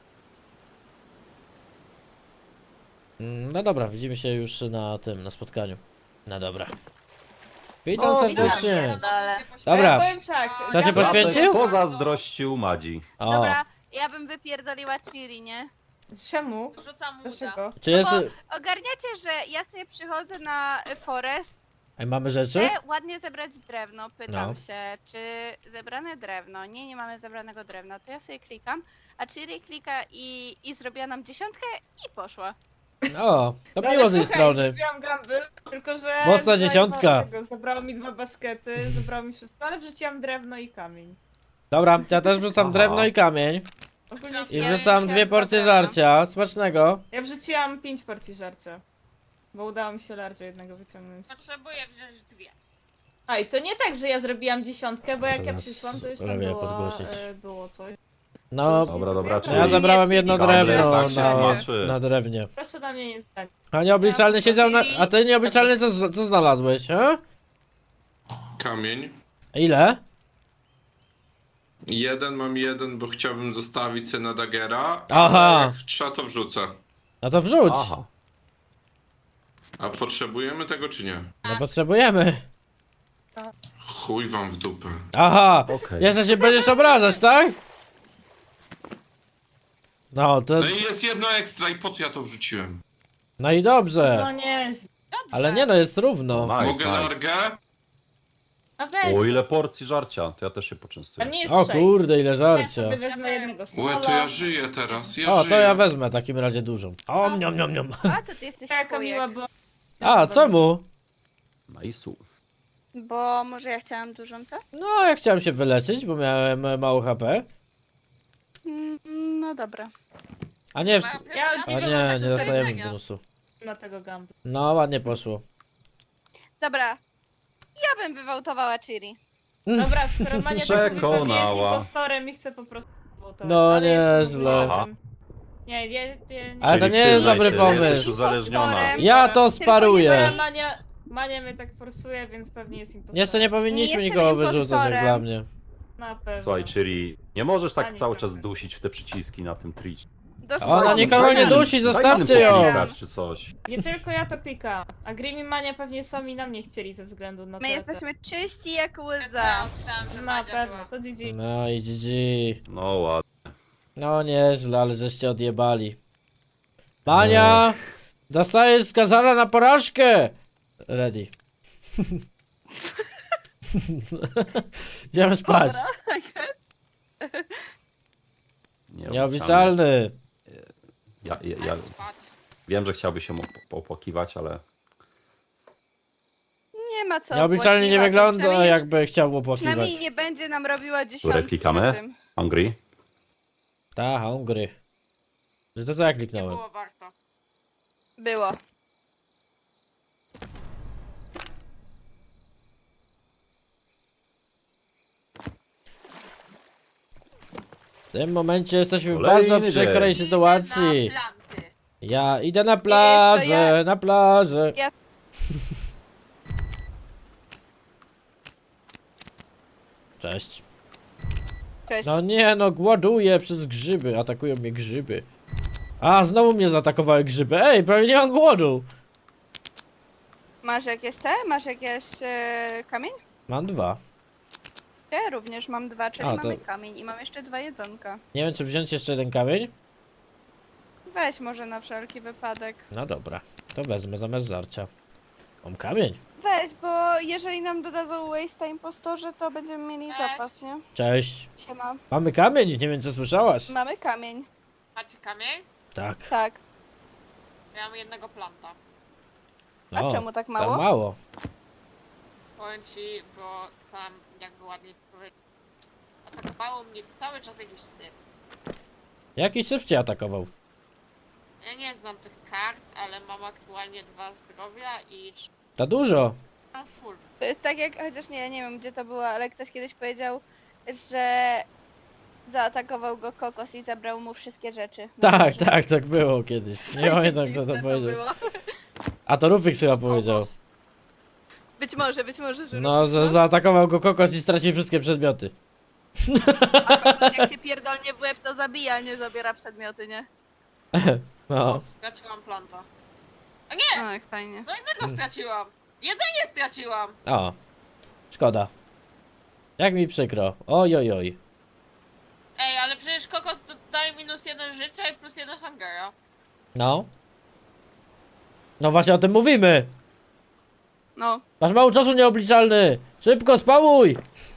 Speaker 1: No dobra, widzimy się już na tym, na spotkaniu. No dobra. Witam
Speaker 2: O,
Speaker 1: serdecznie.
Speaker 7: Ale...
Speaker 1: Dobra.
Speaker 2: Ja powiem tak.
Speaker 1: Kto się
Speaker 2: ja-
Speaker 1: poświęcił?
Speaker 3: Pozazdrościł Madzi.
Speaker 1: O,
Speaker 7: Dobra, ja bym wypierdoliła Chiri, nie?
Speaker 2: Czemu?
Speaker 4: Rzucam muda.
Speaker 2: Dlaczego?
Speaker 1: czy jest...
Speaker 7: Bo ogarniacie, że ja sobie przychodzę na forest,
Speaker 1: Ej, mamy rzeczy?
Speaker 7: chcę ładnie zebrać drewno, pytam
Speaker 1: No.
Speaker 7: się, czy zebrane drewno? Nie, nie mamy zebranego drewna, to ja sobie klikam, a Chiri klika i zrobiła nam 10 i poszła.
Speaker 1: O, to
Speaker 2: No,
Speaker 1: miło
Speaker 2: ale
Speaker 1: z jej
Speaker 2: słuchaj,
Speaker 1: strony.
Speaker 2: zrobiłam gamble, tylko że...
Speaker 1: Mocna dziesiątka.
Speaker 2: Zabrało mi 2 baskety, zabrało mi wszystko, ale wrzuciłam drewno i kamień.
Speaker 1: Dobra, ja też wrzucam
Speaker 3: Aha.
Speaker 1: drewno i kamień.
Speaker 2: Ogólnie
Speaker 1: I
Speaker 7: Ja
Speaker 1: wrzucam
Speaker 7: wziąłem
Speaker 1: 2 porcje
Speaker 7: drewno.
Speaker 1: żarcia. Smacznego.
Speaker 2: ja wrzuciłam 5 porcji żarcia. Bo udało mi się large jednego wyciągnąć.
Speaker 4: Potrzebuję wziąć 2.
Speaker 2: A i to nie tak, że ja zrobiłam 10, bo jak ja
Speaker 1: Zaraz
Speaker 2: przyszłam, to już tam
Speaker 1: Rawię
Speaker 2: było,
Speaker 1: podgłosić.
Speaker 2: było coś.
Speaker 1: No,
Speaker 3: Dobra, dobra,
Speaker 2: Ja
Speaker 3: czyli...
Speaker 1: ja zabrałem jedno
Speaker 3: Gamble,
Speaker 1: drewno
Speaker 3: tak się
Speaker 1: na,
Speaker 3: tłumaczy.
Speaker 1: na drewnie.
Speaker 2: Proszę na mnie nie zdać.
Speaker 1: A nieobliczalny siedział na...
Speaker 7: Czyli-
Speaker 1: A ty nieobliczalny co znalazłeś, he?
Speaker 6: Kamień.
Speaker 1: Ile?
Speaker 6: Mam jeden, bo chciałbym zostawić sobie na Daggera.
Speaker 1: Aha.
Speaker 6: Ale jak trzeba, to wrzucę.
Speaker 1: No to wrzuć.
Speaker 3: Aha.
Speaker 6: A potrzebujemy tego czy nie?
Speaker 1: No potrzebujemy.
Speaker 6: Chuj wam w dupę.
Speaker 1: Aha.
Speaker 3: Okej.
Speaker 1: Jeszcze się będziesz obrażać, tak? No to...
Speaker 6: No i jest jedno ekstra i po co ja to wrzuciłem?
Speaker 1: No i dobrze.
Speaker 2: No nie,
Speaker 1: Ale nie no, jest równo.
Speaker 3: Nice,
Speaker 6: Mogę
Speaker 3: nice.
Speaker 6: largę?
Speaker 2: a weź.
Speaker 3: O, ile porcji żarcia, to ja też się
Speaker 2: A
Speaker 3: poczęstuję.
Speaker 2: nie jest
Speaker 1: O
Speaker 2: 6.
Speaker 1: kurde, ile
Speaker 2: Ja
Speaker 1: żarcia.
Speaker 2: sobie wezmę jednego
Speaker 6: Łe,
Speaker 2: smola.
Speaker 6: to ja żyję teraz, ja
Speaker 1: O,
Speaker 6: żyję.
Speaker 1: to ja wezmę w takim razie dużą. O, niom, niom, niom.
Speaker 7: A, to ty jesteś
Speaker 2: Taka miła
Speaker 7: chujek.
Speaker 2: była.
Speaker 1: A, czemu?
Speaker 3: Nice'u.
Speaker 7: Bo może ja chciałam dużą, co?
Speaker 1: No, ja chciałem się wyleczyć, bo miałem mało HP.
Speaker 7: No dobra.
Speaker 1: A nie,
Speaker 2: Ja
Speaker 1: a
Speaker 2: od
Speaker 1: nie,
Speaker 2: ciebie
Speaker 1: nie dostajemy bonusu.
Speaker 2: na tego gamble.
Speaker 1: No, ładnie poszło.
Speaker 7: Dobra. Ja bym wywołtowała Chiri.
Speaker 2: Dobra, skoro Mania
Speaker 3: Przekonała.
Speaker 2: jest impostorem i chce po prostu wołtować,
Speaker 1: No,
Speaker 2: ale jestem
Speaker 1: nieźle.
Speaker 2: obrotem. Nie, nie.
Speaker 1: Ale to
Speaker 3: Czyli
Speaker 1: nie jest
Speaker 3: przyznaj
Speaker 1: dobry
Speaker 3: się, że jesteś
Speaker 1: pomysł.
Speaker 3: uzależniona.
Speaker 1: Ja to sparuję.
Speaker 2: Mania mnie tak forsuje, więc pewnie jest impostorem.
Speaker 1: Jeszcze nie powinniśmy
Speaker 7: Nie
Speaker 1: nikogo
Speaker 7: jestem
Speaker 1: wyrzucać, jak
Speaker 7: impostorem.
Speaker 1: dla mnie.
Speaker 2: Na pewno.
Speaker 3: Słuchaj, czyli nie możesz tak
Speaker 2: Ani
Speaker 3: cały
Speaker 2: trochę.
Speaker 3: czas dusić w te przyciski na tym Twitch.
Speaker 1: Ona nikogo nie dusi, zostawcie ją.
Speaker 3: Czy coś.
Speaker 2: Nie tylko ja to klikam. A Grim i Mania pewnie sami na mnie chcieli ze względu na to.
Speaker 7: My jesteśmy czyści jak łza.
Speaker 4: Chciałam, że
Speaker 2: Na
Speaker 4: Madzia
Speaker 2: pewno,
Speaker 4: była.
Speaker 2: to GG.
Speaker 1: No i GG.
Speaker 3: No ładnie.
Speaker 1: No nieźle, ale żeście odjebali. Mania! Dostajesz skazana na porażkę! Ready. Idziemy spać. Nieobliczalny.
Speaker 3: Ja
Speaker 4: Daj spać.
Speaker 3: wiem, że chciałby się opłakiwać, ale
Speaker 7: Nie ma co
Speaker 1: Nieobliczalnie nie
Speaker 7: opłakiwać,
Speaker 1: wygląda,
Speaker 7: przynajmniej-
Speaker 1: jakby chciał opłakiwać.
Speaker 7: Przynajmniej nie będzie nam robiła dziesiątki
Speaker 3: klikamy?
Speaker 7: na tym.
Speaker 3: hungry?
Speaker 1: Ta, hungry. Że to co ja
Speaker 4: Nie
Speaker 1: kliknąłem?
Speaker 4: było warto.
Speaker 7: Było.
Speaker 1: W tym momencie jesteśmy w
Speaker 3: Kolejny
Speaker 1: bardzo przykrej
Speaker 3: dzień.
Speaker 1: sytuacji.
Speaker 4: Idę na planty.
Speaker 1: Ja idę na plażę, na plażę.
Speaker 7: Ja-
Speaker 1: Cześć.
Speaker 7: Cześć.
Speaker 1: No nie, no głoduję przez grzyby, atakują mnie grzyby. A, znowu mnie zaatakowały grzyby. Ej, prawie nie mam głodu.
Speaker 7: Masz jakieś te? Masz jakieś kamień?
Speaker 1: Mam 2.
Speaker 7: Ja również mam 2, czyli
Speaker 1: A, to-
Speaker 7: mamy kamień i mam jeszcze 2 jedzonka.
Speaker 1: Nie wiem, czy wziąć jeszcze jeden kamień?
Speaker 7: Weź może na wszelki wypadek.
Speaker 1: No dobra, to wezmę zamiast żarcia. Mam kamień.
Speaker 7: Weź, bo jeżeli nam dodadzą waste impostorze, to będziemy mieli
Speaker 4: Weź.
Speaker 7: zapas, nie?
Speaker 1: Cześć.
Speaker 7: Siema.
Speaker 1: Mamy kamień, nie wiem, czy słyszałaś.
Speaker 7: Mamy kamień.
Speaker 4: Macie kamień?
Speaker 1: Tak.
Speaker 7: Tak.
Speaker 4: Ja mam jednego planta.
Speaker 7: A
Speaker 1: No,
Speaker 7: czemu tak
Speaker 1: tak
Speaker 7: mało?
Speaker 1: mało.
Speaker 4: Powiem ci, bo tam, jakby ładnie ci powiedzieć, atakowało mnie cały czas jakiś syf.
Speaker 1: Jaki syf cię atakował?
Speaker 4: Ja nie znam tych kart, ale mam aktualnie 2 zdrowia i
Speaker 1: To dużo.
Speaker 4: mam full.
Speaker 7: To jest tak jak, chociaż nie wiem gdzie to było, ale ktoś kiedyś powiedział, że zaatakował go kokos i zabrał mu wszystkie rzeczy.
Speaker 1: Tak, tak było kiedyś. Nie pamiętam, kto to
Speaker 7: Zajebiste
Speaker 1: powiedział.
Speaker 7: było.
Speaker 1: A to Rufix chyba powiedział.
Speaker 4: Kokos.
Speaker 7: Być może, że
Speaker 1: No, zaatakował go kokos i stracił wszystkie przedmioty.
Speaker 7: A kokos jak cię pierdolnie w łeb, to zabija, a nie zabiera przedmioty, nie?
Speaker 1: No.
Speaker 4: Straciłam planta. A nie!
Speaker 7: No, jak fajnie.
Speaker 4: Co innego straciłam! Jedzenie straciłam!
Speaker 1: O. Szkoda. Jak mi przykro. Oj, oj, oj.
Speaker 4: Ej, ale przecież kokos daje -1 życia i +1 hungera.
Speaker 1: No. No właśnie o tym mówimy.
Speaker 7: No,
Speaker 1: Masz mało czasu nieobliczalny. Szybko spałuj.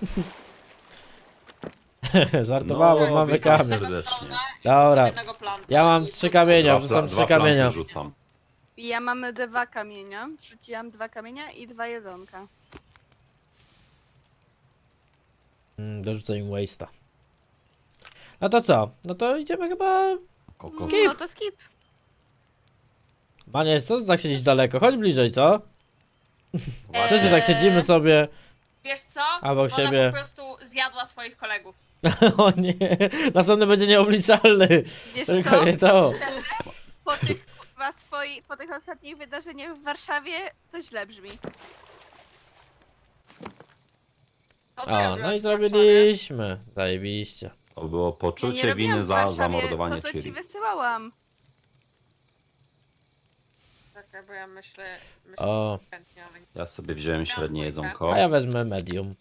Speaker 1: Żartowałem,
Speaker 3: No,
Speaker 1: mamy
Speaker 3: witam
Speaker 1: kamień.
Speaker 3: serdecznie.
Speaker 1: Dobra.
Speaker 4: Jednego planta
Speaker 1: Ja mam
Speaker 4: i
Speaker 1: 3 kamienia,
Speaker 3: Dwa
Speaker 1: wrzucam 3
Speaker 3: planty
Speaker 1: kamienia.
Speaker 3: rzucam.
Speaker 7: ja mam 2 kamienia. Wrzuciłam 2 kamienia i 2 jedzonka.
Speaker 1: Dorzucę im waste'a. No to co? No to idziemy chyba...
Speaker 3: Kokos.
Speaker 1: Skip.
Speaker 7: No to skip.
Speaker 1: Manie, co ty tak siedzieć daleko? Chodź bliżej, co?
Speaker 4: Eee.
Speaker 1: Przecież tak siedzimy sobie.
Speaker 4: Wiesz co?
Speaker 1: Obok
Speaker 4: Ona
Speaker 1: siebie.
Speaker 4: po prostu zjadła swoich kolegów.
Speaker 1: O nie, następny będzie nieobliczalny.
Speaker 7: Wiesz
Speaker 1: Tylko
Speaker 7: co?
Speaker 1: nie to.
Speaker 7: Szczerze, po tych ostatnich wydarzeniach w Warszawie to źle brzmi.
Speaker 4: Co ty
Speaker 1: O,
Speaker 4: robiłaś
Speaker 1: no i
Speaker 4: w Warszawie?
Speaker 1: zrobiliśmy. Zajebiście.
Speaker 3: To było
Speaker 7: Ja nie
Speaker 3: poczucie
Speaker 7: robiłam
Speaker 3: winy
Speaker 7: w
Speaker 3: za
Speaker 7: Warszawie,
Speaker 3: zamordowanie
Speaker 7: to co ci
Speaker 3: Ciri.
Speaker 7: wysyłałam.
Speaker 4: Czekaj, bo ja myślę
Speaker 1: O,
Speaker 4: chętnie, ale nie.
Speaker 3: Ja sobie wziąłem średnie jedzonko.
Speaker 1: a ja wezmę medium.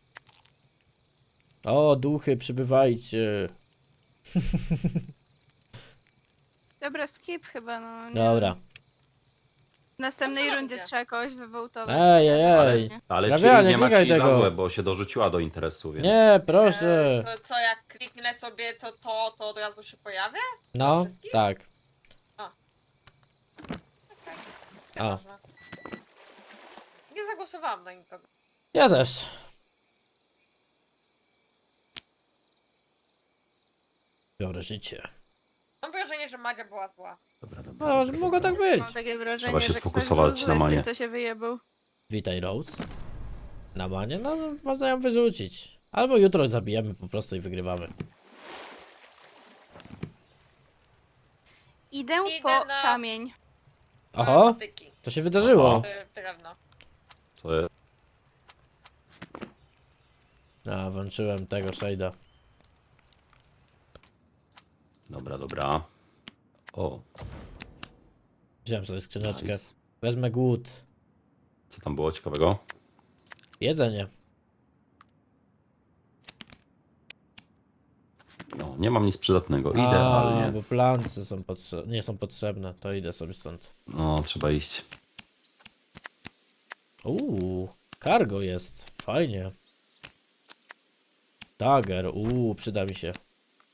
Speaker 1: O, duchy, przybywajcie.
Speaker 7: Dobra, skip chyba, no nie.
Speaker 1: Dobra.
Speaker 7: W następnej
Speaker 4: Dobrze
Speaker 7: rundzie
Speaker 4: będzie.
Speaker 7: trzeba kogoś wywołtować.
Speaker 1: Ej, ej, ej.
Speaker 3: Ale
Speaker 1: Grabia,
Speaker 3: Ciri
Speaker 1: nie
Speaker 3: nie ma
Speaker 1: klikaj
Speaker 3: ci za
Speaker 1: tego.
Speaker 3: złe, bo się dorzuciła do interesu, więc...
Speaker 1: Nie, proszę.
Speaker 4: To co, jak kliknę sobie to od razu się pojawia?
Speaker 1: No,
Speaker 4: wszystkich?
Speaker 1: tak.
Speaker 4: Okej.
Speaker 1: A.
Speaker 4: Nieważne. Nie zagłosowałam na nikogo.
Speaker 1: Ja też. Biorę życie.
Speaker 4: Mam wrażenie, że Madzia była zła.
Speaker 3: Dobra, dobra.
Speaker 1: No, że mogło tak być.
Speaker 7: Mam takie wrażenie,
Speaker 3: Trzeba się
Speaker 7: że
Speaker 3: sfokusować
Speaker 7: ktoś
Speaker 3: na
Speaker 7: był zły z
Speaker 3: Manię.
Speaker 7: tych, co się wyjebał.
Speaker 1: Witaj, Rose. Na manie? No, można ją wyrzucić. Albo jutro zabijemy po prostu i wygrywamy.
Speaker 7: Idę
Speaker 4: Idę
Speaker 7: po
Speaker 4: na-
Speaker 7: kamień.
Speaker 1: Oho,
Speaker 4: Patyki.
Speaker 1: to się wydarzyło.
Speaker 3: Oho.
Speaker 4: Drewno.
Speaker 3: Co jest?
Speaker 1: A, włączyłem tego shade'a.
Speaker 3: Dobra, dobra. O,
Speaker 1: Wziąłem sobie skrzyneczkę.
Speaker 3: nice.
Speaker 1: Wezmę głód.
Speaker 3: Co tam było ciekawego?
Speaker 1: Jedzenie.
Speaker 3: No, nie mam nic przydatnego.
Speaker 1: A,
Speaker 3: Idealnie.
Speaker 1: bo plance są nie są potrzebne. To idę sobie stąd.
Speaker 3: No, trzeba iść.
Speaker 1: Cargo jest. Fajnie. Dagger. Przyda mi się.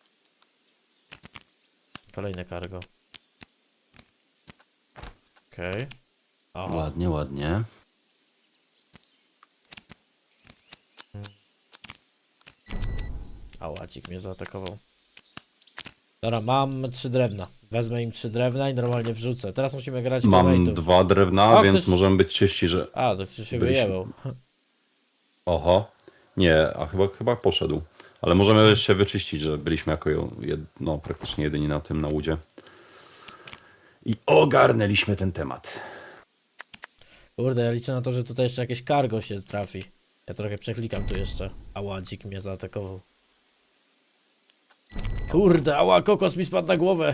Speaker 1: Kolejne cargo. Okej. Okay.
Speaker 3: Ładnie, ładnie.
Speaker 1: A łacik mnie zaatakował. Dobra, mam 3 drewna. Wezmę im 3 drewna i normalnie wrzucę. Teraz musimy grać
Speaker 3: Mam
Speaker 1: teammateów.
Speaker 3: 2 drewna,
Speaker 1: O,
Speaker 3: więc
Speaker 1: ktoś-
Speaker 3: możemy być czyści, że...
Speaker 1: A, to się
Speaker 3: Byliśmy-
Speaker 1: wyjebał.
Speaker 3: Oho. Nie, a chyba poszedł. Ale możemy się wyczyścić, że byliśmy jako no, praktycznie jedyni na tym na łudzie. I ogarnęliśmy ten temat.
Speaker 1: Kurde, ja liczę na to, że tutaj jeszcze jakieś cargo się trafi. Ja trochę przeklikam tu jeszcze. Ała, dzik mnie zaatakował. Kurde, ała, kokos mi spadł na głowę.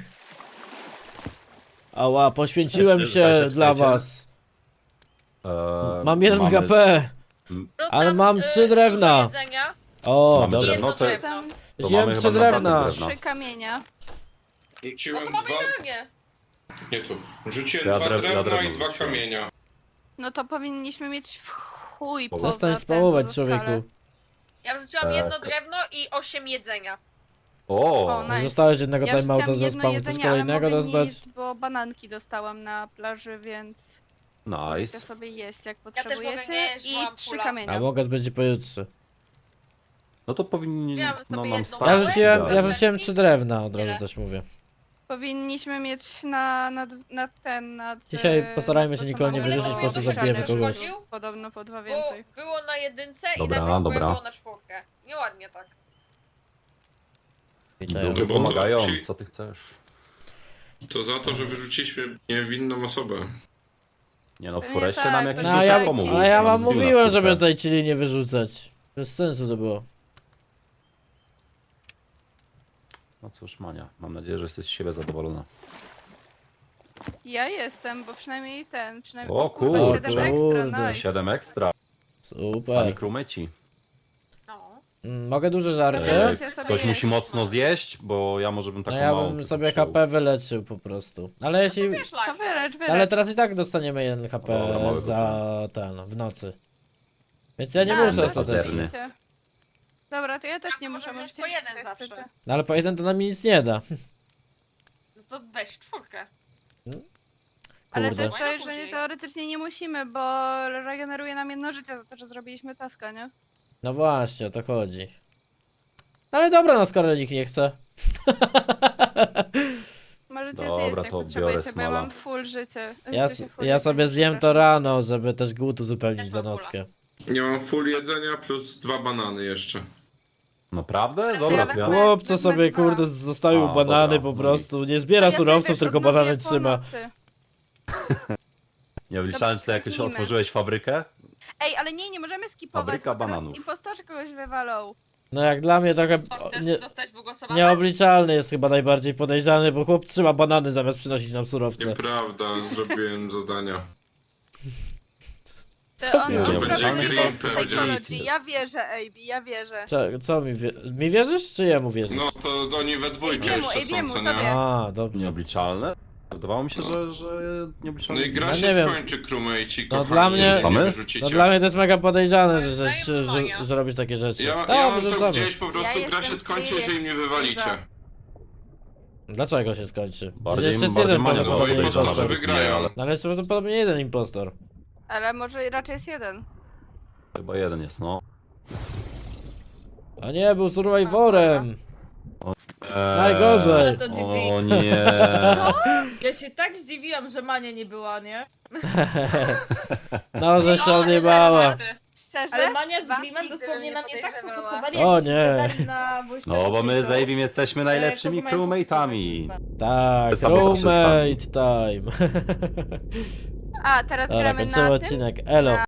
Speaker 1: Ała, poświęciłem się
Speaker 3: Czekajcie.
Speaker 1: dla was. Mam 1
Speaker 3: mamy-
Speaker 1: HP. Ale mam 3 drewna.
Speaker 4: jedzenia.
Speaker 1: O,
Speaker 3: Mamy
Speaker 1: dobra.
Speaker 3: drewno, to-
Speaker 7: Tam
Speaker 3: To
Speaker 1: Wziąłem
Speaker 3: mamy
Speaker 1: 3
Speaker 3: chyba na
Speaker 1: drewna.
Speaker 3: żadnych drewna.
Speaker 7: 3 kamienia.
Speaker 6: Rzuciłem
Speaker 4: No to mamy
Speaker 6: dwa...
Speaker 4: idealnie.
Speaker 6: Nie tu. Rzuciłem
Speaker 3: Ja
Speaker 6: dwa
Speaker 3: ja
Speaker 6: drewna
Speaker 3: drewno
Speaker 6: i dwa
Speaker 3: rzuciłem.
Speaker 6: kamienia.
Speaker 7: No to powinniśmy mieć w chuj
Speaker 3: Bo-
Speaker 7: poza
Speaker 1: Przestań
Speaker 7: ten,
Speaker 1: spałować,
Speaker 7: poza skalę.
Speaker 1: człowieku.
Speaker 4: Ja wrzuciłam
Speaker 3: Tak.
Speaker 4: jedno drewno i 8 jedzenia.
Speaker 7: O,
Speaker 3: O!
Speaker 7: nice.
Speaker 1: Zostałeś jednego
Speaker 7: Ja
Speaker 1: timeouta
Speaker 7: wrzuciłam
Speaker 1: za
Speaker 7: jedno
Speaker 1: spam. Chcesz
Speaker 7: jedzenie, ale
Speaker 1: kolejnego
Speaker 7: mogę nie
Speaker 1: dostać?
Speaker 7: jeść, bo bananki dostałam na plaży, więc możecie
Speaker 3: Nice.
Speaker 7: sobie jeść jak
Speaker 4: też mogę
Speaker 7: potrzebujecie.
Speaker 4: nie jeść, bo
Speaker 7: I
Speaker 4: mam
Speaker 7: 3
Speaker 4: pula.
Speaker 7: kamienia.
Speaker 1: A mogę będzie pojutrze.
Speaker 3: No to powinni
Speaker 4: Wziąłem
Speaker 3: no,
Speaker 4: sobie
Speaker 3: nam
Speaker 4: jedną
Speaker 3: starczyć.
Speaker 1: Ja
Speaker 4: małe.
Speaker 1: rzuciłem, ja
Speaker 3: idealnie.
Speaker 1: wrzuciłem 3 drewna, od razu
Speaker 4: Tyle.
Speaker 1: też mówię.
Speaker 7: Powinniśmy mieć na ten, nad...
Speaker 1: Dzisiaj postarajmy
Speaker 7: nad
Speaker 1: się
Speaker 7: to, co
Speaker 1: nikogo nie
Speaker 7: mamy
Speaker 4: wyrzucić,
Speaker 7: na
Speaker 4: po prostu
Speaker 7: ścianie,
Speaker 1: zabijemy
Speaker 7: żeby
Speaker 1: kogoś.
Speaker 7: było Podobno po 2
Speaker 4: Bo
Speaker 7: więcej.
Speaker 4: było na jedynce
Speaker 3: Dobra,
Speaker 4: i nagle
Speaker 3: dobra.
Speaker 4: było na 4. Nieładnie tak.
Speaker 1: Witają.
Speaker 3: Duchy
Speaker 6: bo to-
Speaker 3: pomagają,
Speaker 6: czyli-
Speaker 3: co ty chcesz?
Speaker 6: To za to, że wyrzuciliśmy niewinną osobę.
Speaker 3: Nie no, w
Speaker 7: Pewnie
Speaker 3: foreście
Speaker 7: tak,
Speaker 3: nam jakiś
Speaker 7: pewnie
Speaker 1: No,
Speaker 3: duszek
Speaker 1: ja,
Speaker 7: tak,
Speaker 3: pomógł.
Speaker 1: ale ja
Speaker 3: Nam
Speaker 1: wam
Speaker 3: zbił na
Speaker 1: mówiłem, żeby
Speaker 3: czwórkę.
Speaker 1: tutaj chili nie wyrzucać. Bez sensu to było.
Speaker 3: No cóż, Mania, mam nadzieję, że jesteś z siebie zadowolona.
Speaker 7: Ja jestem, bo przynajmniej przynajmniej...
Speaker 3: O
Speaker 7: kurwa,
Speaker 3: kurczę.
Speaker 7: 7 ekstra,
Speaker 1: Kurde.
Speaker 7: nice.
Speaker 3: 7 ekstra, sami
Speaker 1: Super.
Speaker 3: krumyci.
Speaker 4: No.
Speaker 1: Mogę duże żarcie?
Speaker 7: Możecie sobie
Speaker 3: Ktoś
Speaker 7: jeść.
Speaker 3: musi mocno zjeść, bo ja może bym
Speaker 1: No
Speaker 3: taką
Speaker 1: ja
Speaker 3: małą
Speaker 1: bym
Speaker 3: tylko
Speaker 1: sobie
Speaker 3: wziął.
Speaker 1: HP wyleczył po prostu. Ale jeśli...
Speaker 4: Wiesz,
Speaker 7: To
Speaker 4: like.
Speaker 7: wylecz.
Speaker 1: Ale teraz i tak dostaniemy 1 HP
Speaker 3: Dobra, mały
Speaker 1: za ten, w nocy. Więc ja nie
Speaker 7: A,
Speaker 1: muszę
Speaker 7: no
Speaker 1: ostatecznie.
Speaker 3: pazerny.
Speaker 7: oczywiście. Dobra, to ja też
Speaker 4: Ja
Speaker 7: nie
Speaker 4: mogę
Speaker 7: muszę,
Speaker 4: wziąć
Speaker 7: możecie
Speaker 4: po
Speaker 7: jeść,
Speaker 4: jeden
Speaker 7: jak
Speaker 4: zawsze.
Speaker 7: chcecie.
Speaker 1: No ale po 1 to nam nic nie da.
Speaker 4: No to weź 4.
Speaker 7: Ale
Speaker 1: Kurde.
Speaker 7: też to
Speaker 4: Fajnie
Speaker 7: jest, że
Speaker 4: później.
Speaker 7: teoretycznie nie musimy, bo regeneruje nam 1 życie za to, że zrobiliśmy taska, nie?
Speaker 1: No właśnie, o to chodzi. Ale dobra, no skoro nikt nie chce.
Speaker 7: Możecie
Speaker 3: Dobra,
Speaker 7: zjeść jak
Speaker 3: to biorę
Speaker 7: potrzebujecie, bo ja
Speaker 3: smala.
Speaker 7: mam full życie.
Speaker 1: Ja,
Speaker 7: W sensie full
Speaker 1: ja sobie
Speaker 7: jedzenia,
Speaker 1: zjem to
Speaker 7: przepraszam.
Speaker 1: rano, żeby też głód uzupełnić
Speaker 4: Też
Speaker 1: za
Speaker 4: mam
Speaker 1: nockę.
Speaker 6: Nie mam full jedzenia plus 2 banany jeszcze.
Speaker 3: Naprawdę? Dobra,
Speaker 7: Ja
Speaker 3: to ja...
Speaker 7: wezmę-
Speaker 1: Chłop, co
Speaker 7: wezmę
Speaker 1: sobie
Speaker 7: 2.
Speaker 1: kurde zostawił
Speaker 3: A,
Speaker 1: banany
Speaker 3: dobra,
Speaker 1: po
Speaker 3: no
Speaker 1: prostu. Nie zbiera
Speaker 7: Ja sobie
Speaker 1: surowców,
Speaker 7: też
Speaker 1: tylko
Speaker 7: odnowię
Speaker 1: banany
Speaker 7: po
Speaker 1: trzyma.
Speaker 7: nocy.
Speaker 3: Nie obliczałem, czy jakoś
Speaker 7: skipnijmy.
Speaker 3: otworzyłeś fabrykę?
Speaker 7: Ej, ale nie możemy skipować,
Speaker 3: Fabryka
Speaker 7: bo teraz
Speaker 3: bananów.
Speaker 7: impostorzy kogoś wywalą.
Speaker 1: No jak dla mnie trochę
Speaker 4: To chcesz
Speaker 1: nie,
Speaker 4: zostać wygłosowany?
Speaker 1: nieobliczalny jest chyba najbardziej podejrzany, bo chłop trzyma banany zamiast przynosić nam surowce.
Speaker 6: Nieprawda, zrobiłem zadania.
Speaker 7: To
Speaker 1: Co
Speaker 7: on
Speaker 1: ty?
Speaker 6: To
Speaker 7: on
Speaker 6: będzie
Speaker 7: prowadzi
Speaker 6: green
Speaker 7: test
Speaker 6: pewnie.
Speaker 7: psychology. Ja wierzę, AB, ja wierzę.
Speaker 1: Co mi wierzysz, czy jemu wierzysz?
Speaker 6: No to oni we dwójkę
Speaker 7: Ej,
Speaker 6: jeszcze
Speaker 7: Biemu,
Speaker 6: są, co
Speaker 7: tobie.
Speaker 6: nie?
Speaker 1: A, dobrze.
Speaker 3: Nieobliczalne? Wydawało mi się, że
Speaker 6: No
Speaker 3: nieobliczalne.
Speaker 6: i gra
Speaker 1: No
Speaker 6: się
Speaker 1: nie wiem.
Speaker 6: skończy, crewmate'ci,
Speaker 1: No
Speaker 6: kochani,
Speaker 1: dla mnie-
Speaker 6: jeżeli
Speaker 3: Wrzucamy?
Speaker 6: nie
Speaker 1: No
Speaker 6: wyrzucicie.
Speaker 1: dla mnie to jest mega podejrzane, że,
Speaker 4: Daję Mania.
Speaker 1: że robisz takie rzeczy.
Speaker 6: Ja
Speaker 1: Tak,
Speaker 6: mam to
Speaker 1: wyrzucamy.
Speaker 6: gdzieś po prostu,
Speaker 7: Ja
Speaker 6: gra się
Speaker 7: jestem
Speaker 6: skończy,
Speaker 7: free.
Speaker 6: jeżeli mnie wywalicie.
Speaker 1: Dlaczego się skończy?
Speaker 3: Bardziej-
Speaker 1: Przecież jest
Speaker 3: bardziej
Speaker 1: jeden
Speaker 3: Mania
Speaker 6: No bo
Speaker 1: prawdopodobnie
Speaker 3: podejrzana,
Speaker 6: impostorzy
Speaker 1: impostor.
Speaker 3: żeby-
Speaker 6: wygrają.
Speaker 3: ale-
Speaker 1: No ale jest prawdopodobnie jeden impostor.
Speaker 7: Ale może raczej jest 1.
Speaker 3: Chyba jeden jest, no.
Speaker 1: A nie, był survivorem. Najgorzej.
Speaker 2: Ale to GG.
Speaker 3: O nie.
Speaker 2: Ja się tak zdziwiłam, że Mania nie była, nie?
Speaker 1: No, że się
Speaker 4: O,
Speaker 1: odjebała.
Speaker 4: też Marty.
Speaker 7: Szczerze?
Speaker 2: Ale Mania z
Speaker 7: Was
Speaker 2: Glimem
Speaker 7: nigdy
Speaker 2: dosłownie
Speaker 7: bym
Speaker 2: na
Speaker 7: nie
Speaker 2: mnie tak
Speaker 7: podejrzewała.
Speaker 2: fokusowali,
Speaker 1: O
Speaker 2: jak
Speaker 1: nie.
Speaker 2: się na wojście.
Speaker 3: No bo my z Abim jesteśmy najlepszymi crewmate'ami.
Speaker 1: Tak,
Speaker 3: Sobie
Speaker 1: roommate time.
Speaker 7: A, teraz
Speaker 1: Dobra,
Speaker 7: gramy
Speaker 1: kończymy
Speaker 7: na tym?
Speaker 1: odcinek. Elo.